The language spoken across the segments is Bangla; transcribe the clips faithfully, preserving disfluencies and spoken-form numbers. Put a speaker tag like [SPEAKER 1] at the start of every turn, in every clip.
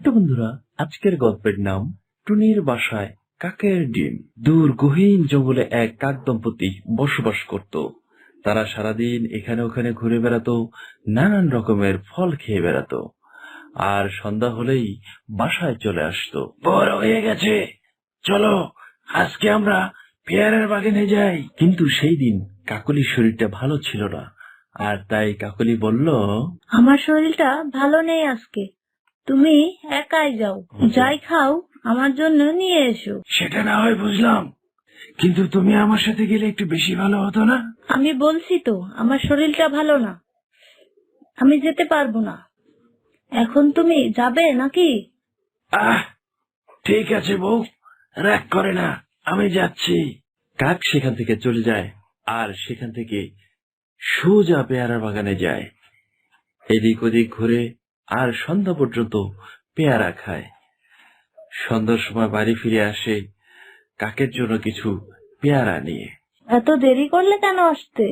[SPEAKER 1] তো বন্ধুরা, আজকের গল্পের নাম টুনির বাসায় কাকের ডিম। দূর গহীন জঙ্গলে এক কাক দম্পতি বসবাস করত। তারা সারাদিন এখানে ওখানে ঘুরে বেড়াতো, নানান রকমের ফল খেয়ে বেড়াতো, আর সন্ধ্যা হলেই বাসায় চলে আসতো। বড় হয়ে গেছে, চলো আজকে আমরা পেয়ারার বাগানে যাই। কিন্তু সেই দিন কাকলির শরীরটা ভালো ছিল না, আর তাই কাকলি বলল,
[SPEAKER 2] আমার শরীরটা ভালো নেই আজকে, তুমি একাই যাও, যাই খাও আমার জন্য নিয়ে এসো।
[SPEAKER 1] সেটা না হয় বুঝলাম, কিন্তু তুমি আমার সাথে গেলে একটু বেশি ভালো হতো না?
[SPEAKER 2] আমি বলছি তো আমার শরীরটা ভালো না, আমি যেতে পারবো না। এখন তুমি যাবে নাকি?
[SPEAKER 1] আহ ঠিক আছে বউ, রাগ করে না, আমি যাচ্ছি। কাক সেখান থেকে চলে যায়, আর সেখান থেকে সোজা পেয়ারা বাগানে যায়। এদিক ওদিক ঘুরে আর সন্ধ্যা পর্যন্ত পেয়ারা খায়। সন্ধ্যার সময় বাড়ি ফিরে আসে কাকের জন্য কিছু পেয়ারা নিয়ে।
[SPEAKER 2] এত দেরি করলে কেন আসতে?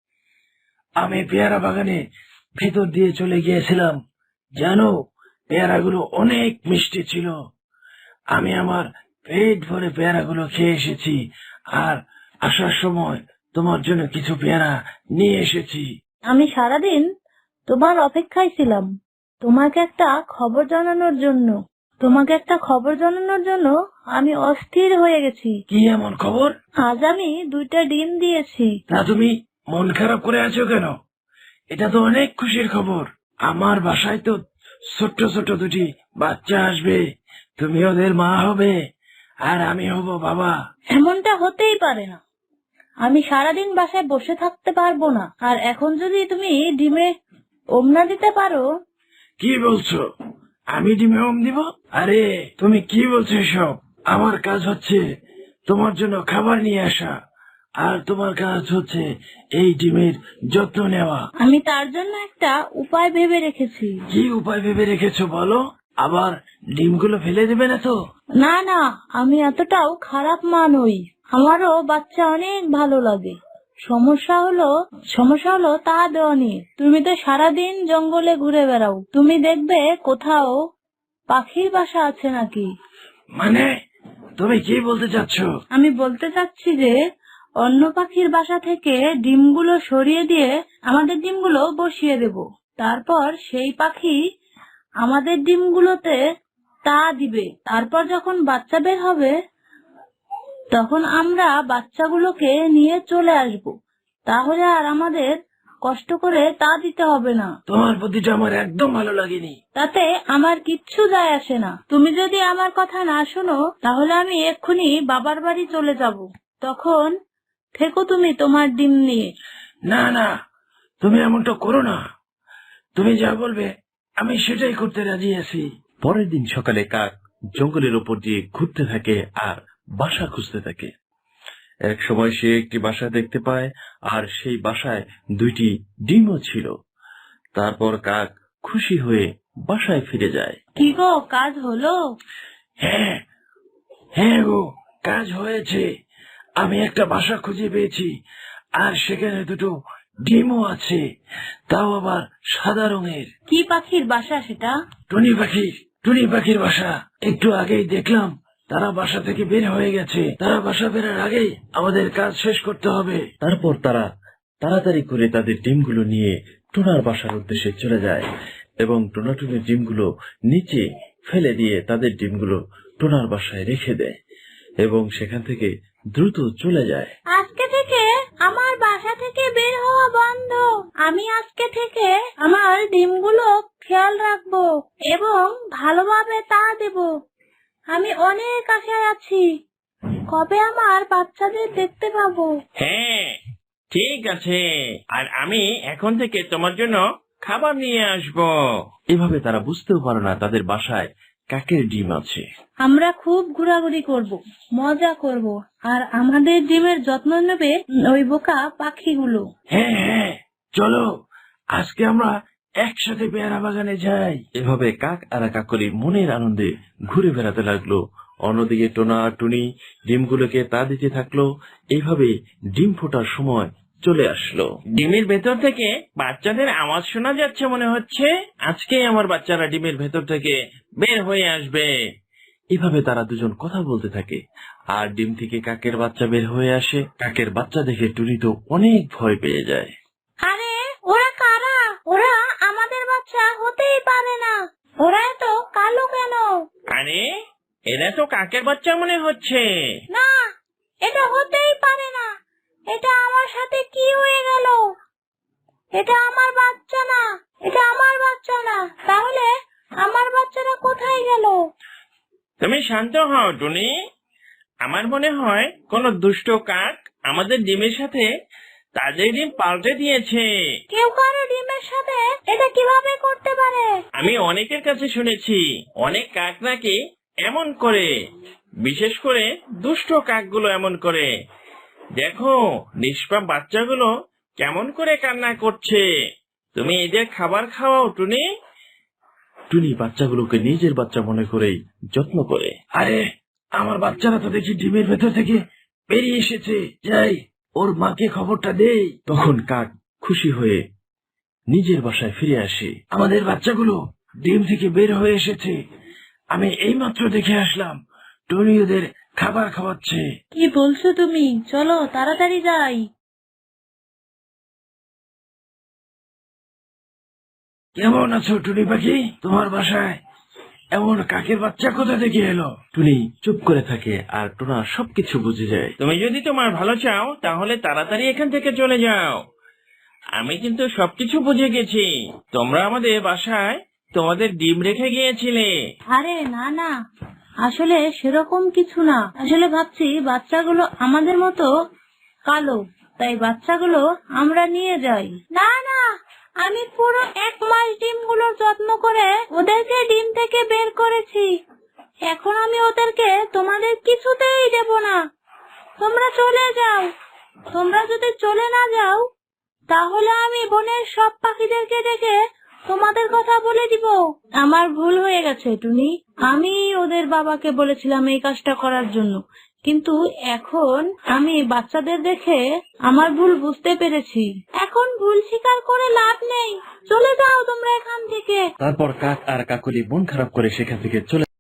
[SPEAKER 1] আমি পেয়ারা বাগানে ভেতর দিয়ে চলে গিয়েছিলাম, জানো পেয়ারাগুলো অনেক মিষ্টি ছিল। আমি আমার পেট ভরে পেয়ারাগুলো খেয়ে এসেছি, আর আসার সময় তোমার জন্য কিছু পেয়ারা নিয়ে এসেছি।
[SPEAKER 2] আমি সারাদিন তোমার অপেক্ষায় ছিলাম, তোমাকে একটা খবর জানানোর জন্য তোমাকে একটা খবর জানানোর জন্য আমি অস্থির হয়ে গেছি।
[SPEAKER 1] কি এমন খবর?
[SPEAKER 2] আজ আমি দুইটা ডিম দিয়েছি।
[SPEAKER 1] তা তুমি মন খারাপ করে আছো কেন? এটা তো অনেক খুশির খবর। আমার বাসায় তো ছোট্ট ছোট্ট দুটি বাচ্চা আসবে, তুমি ওদের মা হবে, আর আমি হব বাবা।
[SPEAKER 2] এমনটা হতেই পারে না, আমি সারাদিন বাসায় বসে থাকতে পারবো না। আর এখন যদি তুমি ডিমে ওমনা দিতে পারো।
[SPEAKER 1] কি বলছো? আমি ডিমে ওম দিব? আরে তুমি কি বলছো এসব? আমার কাজ হচ্ছে তোমার জন্য খাবার নিয়ে আসা, আর তোমার কাজ হচ্ছে এই ডিমের যত্ন নেওয়া।
[SPEAKER 2] আমি তার জন্য একটা উপায় ভেবে রেখেছি।
[SPEAKER 1] কি উপায় ভেবে রেখেছো বলো? আবার ডিমগুলো ফেলে দেবে না তো?
[SPEAKER 2] না না, আমি এতটাও খারাপ মা নই, আমারও বাচ্চা অনেক ভালো লাগে। সমস্যা হলো সমস্যা হলো তা দেওয়া নিয়ে। তুমি তো সারাদিন জঙ্গলে ঘুরে বেড়াও, তুমি দেখবে কোথাও পাখির বাসা আছে নাকি।
[SPEAKER 1] মানে তুমি কি বলতে চাচ্ছ?
[SPEAKER 2] আমি বলতে চাচ্ছি যে অন্য পাখির বাসা থেকে ডিমগুলো সরিয়ে দিয়ে আমাদের ডিমগুলো বসিয়ে দেব। তারপর সেই পাখি আমাদের ডিমগুলোতে তা দিবে। তারপর যখন বাচ্চা বের হবে তখন আমরা বাচ্চাগুলোকে নিয়ে চলে আসব। তাহলে আর আমাদের কষ্ট করে তা দিতে হবে না।
[SPEAKER 1] তোমার বুদ্ধিটা আমার একদম ভালো লাগেনি।
[SPEAKER 2] তাতে আমার কিচ্ছু যায় আসে না। তুমি যদি আমার কথা না শোনো তাহলে আমি এক্ষুনি বাবার বাড়ি চলে যাব। তখন থেকো তুমি তোমার ডিম নিয়ে।
[SPEAKER 1] না না, তুমি এমনটা করো না। তুমি যা বলবে আমি সেটাই করতে রাজি আছি। পরের দিন সকালে কাক জঙ্গলের উপর দিয়ে ঘুরতে থাকে আর বাসা খুঁজতে থাকে। এক সময় সে একটি বাসা দেখতে পায়, আর সেই বাসায় দুইটি ডিমও ছিল। তারপর কাক খুশি হয়ে বাসায় ফিরে যায়।
[SPEAKER 2] কি গো, কাজ হলো?
[SPEAKER 1] হ্যাঁ হ্যাঁ গো, কাজ হয়েছে। আমি একটা বাসা খুঁজে পেয়েছি, আর সেখানে দুটো ডিমও আছে, তাও আবার সাদা রঙের।
[SPEAKER 2] কি পাখির বাসা সেটা?
[SPEAKER 1] টুনি পাখির টুনি পাখির বাসা। একটু আগেই দেখলাম তারা বাসা থেকে বের হয়ে গেছে। তারা বাসা বেরার আগেই আমাদের কাজ শেষ করতে হবে। তারপর তারা তাড়াতাড়ি করে তাদের ডিমগুলো নিয়ে টোনার বাসার উদ্দেশ্যে চলে যায়, এবং টোনা টুনির ডিমগুলো নিচে ফেলে দিয়ে তাদের ডিমগুলো টোনার বাসায় রেখে দেয়, এবং সেখান থেকে দ্রুত চলে যায়।
[SPEAKER 2] আজকে থেকে আমার বাসা থেকে বের হওয়া বন্ধ। আমি আজকে থেকে আমার ডিমগুলো খেয়াল রাখবো এবং ভালোভাবে তা দেব। আমি অনেক আশায় আছি, কবে আমার বাচ্চাদের দেখতে পাবো।
[SPEAKER 3] হ্যাঁ ঠিক আছে, আর আমি এখন থেকে তোমার জন্য খাবার নিয়ে আসবো।
[SPEAKER 1] এভাবে তারা বুঝতেও পারে না তাদের বাসায় কাকের ডিম আছে।
[SPEAKER 2] আমরা খুব ঘোরাঘুরি করব, মজা করব, আর আমাদের ডিমের যত্ন নেবে ওই বোকা পাখিগুলো।
[SPEAKER 1] হ্যাঁ হ্যাঁ, চলো আজকে আমরা একসাথে পেয়ারা বাগানে যাই। এভাবে কাক আর কাকলি মনের আনন্দে ঘুরে বেড়াতে লাগলো। অন্যদিকে টোনা আর টুনি ডিমগুলোকে তা দিতে থাকলো। এইভাবে ডিম ফোটার সময় চলে আসলো।
[SPEAKER 3] ডিমের ভেতর থেকে বাচ্চাদের আওয়াজ শোনা যাচ্ছে মনে হচ্ছে। আজকে আমার বাচ্চারা ডিমের ভেতর থেকে বের হয়ে আসবে।
[SPEAKER 1] এভাবে তারা দুজন কথা বলতে থাকে আর ডিম থেকে কাকের বাচ্চা বের হয়ে আসে। কাকের বাচ্চা দেখে টুনি তো অনেক ভয় পেয়ে যায়।
[SPEAKER 2] আরে ওরা কারা? ওরা আমাদের বাচ্চা হতেই পারে না। ওরা এত কালো কেন?
[SPEAKER 3] আরে এরা তো কাকের বাচ্চা মনে হচ্ছে।
[SPEAKER 2] না, এটা হতেই পারে না। এটা আমার সাথে কি হয়ে গেল? এটা আমার বাচ্চা না, এটা আমার বাচ্চা না। তাহলে আমার বাচ্চারা কোথায় গেল?
[SPEAKER 3] তুমি শান্ত হও টুনি। আমার মনে হয় কোন দুষ্ট কাক আমাদের ডিমের সাথে তাদের ডিম পাল্টে দিয়েছে।
[SPEAKER 2] কেউ কারো ডিমের সাথে এটা কিভাবে করতে পারে?
[SPEAKER 3] আমি অনেকের কাছে শুনেছি অনেক কাক নাকি এমন করে, বিশেষ করে দুষ্ট কাকগুলো এমন করে। দেখো নিষ্পাপ বাচ্চাগুলো কেমন করে কান্না করছে। তুমি এদের খাবার খাওয়াও টুনি।
[SPEAKER 1] টুনি বাচ্চাগুলোকে নিজের বাচ্চা মনে করেই যত্ন করে। আরে আমার বাচ্চারা তো দেখি ডিমের ভেতর থেকে বেরিয়ে এসেছে, যাই ওর মাকে খবরটা দেই। তখন কাক খুশি হয়ে নিজের বাসায় ফিরে আসে। আমাদের বাচ্চাগুলো ডিম থেকে বের হয়ে এসেছে, আমি এইমাত্র দেখে আসলাম। টুনি ওদের খাবার খাওয়াচ্ছে।
[SPEAKER 2] কি বলছো তুমি? চলো তাড়াতাড়ি যাই।
[SPEAKER 1] কেমন আছো টুনি পাখি? তোমার বাসায় এমন কাকের বাচ্চা কোথা থেকে এলো? টুনি চুপ করে থাকে আর টোনা সবকিছু বুঝে যায়।
[SPEAKER 3] তুমি যদি তোমার ভালো চাও তাহলে তাড়াতাড়ি এখান থেকে চলে যাও। আমি কিন্তু সবকিছু বুঝে গেছি। তোমরা আমাদের বাসায় তোমাদের ডিম রেখে গিয়েছিলে।
[SPEAKER 2] আরে না না, আসলে সেরকম কিছু না। আসলে ভাবছি বাচ্চাগুলো আমাদের মতো কালো, তাই বাচ্চাগুলো আমরা নিয়ে যাই। না না, আমি পুরো এক মাস ডিমগুলোর যত্ন করে ওদেরকে ডিম থেকে বের করেছি। এখন আমি ওদেরকে তোমাদের কিছুতেই দেব না। তোমরা চলে যাও। তোমরা যদি চলে না যাও তাহলে আমি বনের সব পাখিদেরকে ডেকে তোমাদের কথা বলে দিব। আমার ভুল হয়ে গেছে টুনি। আমি ওদের বাবাকে বলেছিলাম এই কাজটা করার জন্য, কিন্তু এখন আমি বাচ্চাদের দেখে আমার ভুল বুঝতে পেরেছি। এখন ভুল স্বীকার করে লাভ নেই। চলে যাও তোমরা এখান থেকে।
[SPEAKER 1] তারপর কাক আর কাকলি মন খারাপ করে সেখান থেকে চলে